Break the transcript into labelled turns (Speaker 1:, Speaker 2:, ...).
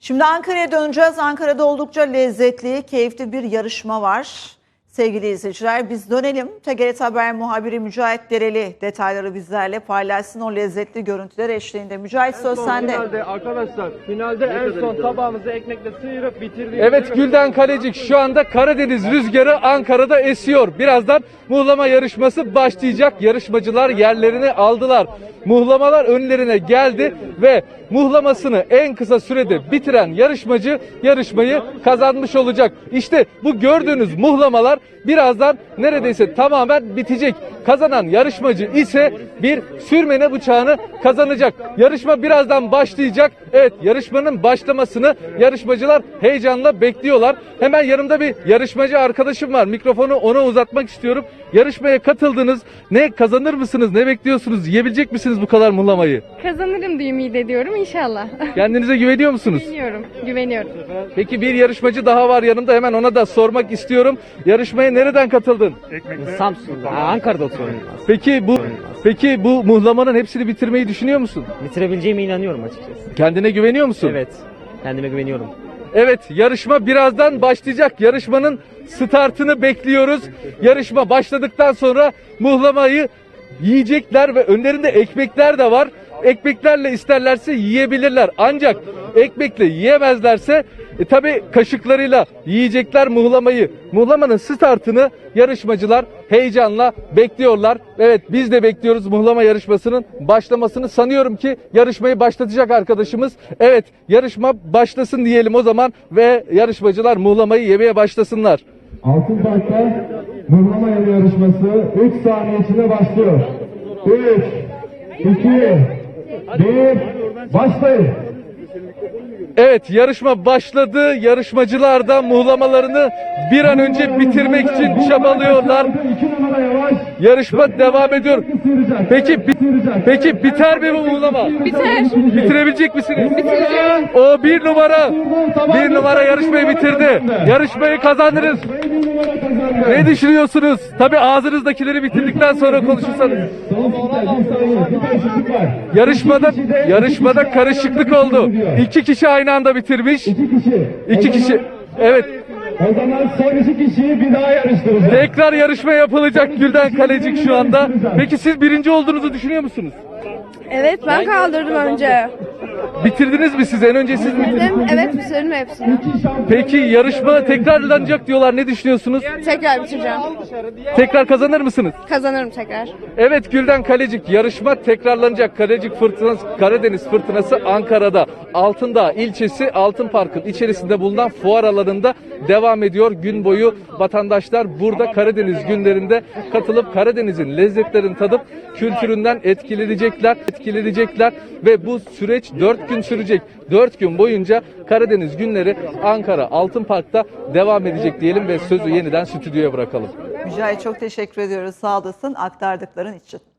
Speaker 1: Şimdi Ankara'ya döneceğiz. Ankara'da oldukça lezzetli, keyifli bir yarışma var. Sevgili izleyiciler, biz dönelim. TGRT Haber muhabiri Mücahit Dereli detayları bizlerle paylaşsın, o lezzetli görüntüler eşliğinde. Mücahit, söz sende.
Speaker 2: Finalde en son tabağımızı ekmekle sıyırıp bitirdik.
Speaker 3: Evet Gülden Kalecik, şu anda Karadeniz rüzgarı Ankara'da esiyor. Birazdan muhlama yarışması başlayacak. Yarışmacılar yerlerini aldılar. Muhlamalar önlerine geldi ve muhlamasını en kısa sürede bitiren yarışmacı yarışmayı kazanmış olacak. İşte bu gördüğünüz muhlamalar birazdan neredeyse tamamen bitecek. Kazanan yarışmacı ise bir sürmene bıçağını kazanacak. Yarışma birazdan başlayacak. Evet, yarışmanın başlamasını yarışmacılar heyecanla bekliyorlar. Hemen yanımda bir yarışmacı arkadaşım var. Mikrofonu ona uzatmak istiyorum. Yarışmaya katıldınız. Ne kazanır mısınız? Ne bekliyorsunuz? Yiyebilecek misiniz bu kadar muhlamayı?
Speaker 4: Kazanırım diye ümit ediyorum inşallah.
Speaker 3: Kendinize güveniyor musunuz?
Speaker 4: Güveniyorum.
Speaker 3: Peki bir yarışmacı daha var yanımda. Hemen ona da sormak istiyorum. Yarışmaya nereden katıldın?
Speaker 2: Samsun'da, Ankara'da oturuyorum.
Speaker 3: Peki bu muhlamanın hepsini bitirmeyi düşünüyor musun?
Speaker 2: Bitirebileceğime inanıyorum açıkçası.
Speaker 3: Kendine güveniyor musun?
Speaker 2: Evet, kendime güveniyorum.
Speaker 3: Evet, yarışma birazdan başlayacak. Yarışmanın startını bekliyoruz. Yarışma başladıktan sonra muhlamayı yiyecekler ve önlerinde ekmekler de var. Ekmeklerle isterlerse yiyebilirler. Ancak ekmekle yiyemezlerse tabii kaşıklarıyla yiyecekler muhlamayı. Muhlamanın startını yarışmacılar heyecanla bekliyorlar. Evet, biz de bekliyoruz muhlama yarışmasının başlamasını. Sanıyorum ki yarışmayı başlatacak arkadaşımız. Evet, yarışma başlasın diyelim o zaman ve yarışmacılar muhlamayı yemeye başlasınlar.
Speaker 5: Altın Park'ta mıhlama yarışması 3 saniye içinde başlıyor. 3, 2, 1, başlayın.
Speaker 3: Evet, yarışma başladı. Yarışmacılar da muhlamalarını bir an önce bitirmek için çabalıyorlar.
Speaker 5: 2 numara yavaş.
Speaker 3: Yarışma devam ediyor. Peki biter mi bu muhlama?
Speaker 4: Biter.
Speaker 3: Bitirebilecek misiniz?
Speaker 4: Bitireceğim.
Speaker 3: O bir numara yarışmayı bitirdi. Yarışmayı kazandınız. Ne düşünüyorsunuz? Tabii ağzınızdakileri bitirdikten sonra konuşursanız. Yarışmada karışıklık oldu. 2 kişi aynı anda bitirmiş. 2 kişi. Evet.
Speaker 5: O zaman son 2 kişiyi bir daha yarıştıracağız.
Speaker 3: Tekrar yarışma yapılacak Gülden Kalecik şu anda. Peki siz birinci olduğunuzu düşünüyor musunuz?
Speaker 4: Evet, ben kaldırdım önce.
Speaker 3: Bitirdiniz mi siz? En önce siz mi?
Speaker 4: Evet, bitirdim hepsini.
Speaker 3: Peki yarışma tekrarlanacak diyorlar. Ne düşünüyorsunuz?
Speaker 4: Tekrar bitireceğim.
Speaker 3: Tekrar kazanır mısınız?
Speaker 4: Kazanırım tekrar.
Speaker 3: Evet Gülden Kalecik, yarışma tekrarlanacak. Karadeniz Fırtınası Ankara'da Altındağ ilçesi Altın Park'ın içerisinde bulunan fuar alanında devam ediyor. Gün boyu vatandaşlar burada Karadeniz günlerinde katılıp Karadeniz'in lezzetlerini tadıp kültüründen etkilenecekler ve bu süreç 4 gün sürecek. 4 gün boyunca Karadeniz günleri Ankara Altın Park'ta devam edecek diyelim ve sözü yeniden stüdyoya bırakalım.
Speaker 1: Mücahit, çok teşekkür ediyoruz. Sağ olasın aktardıkların için.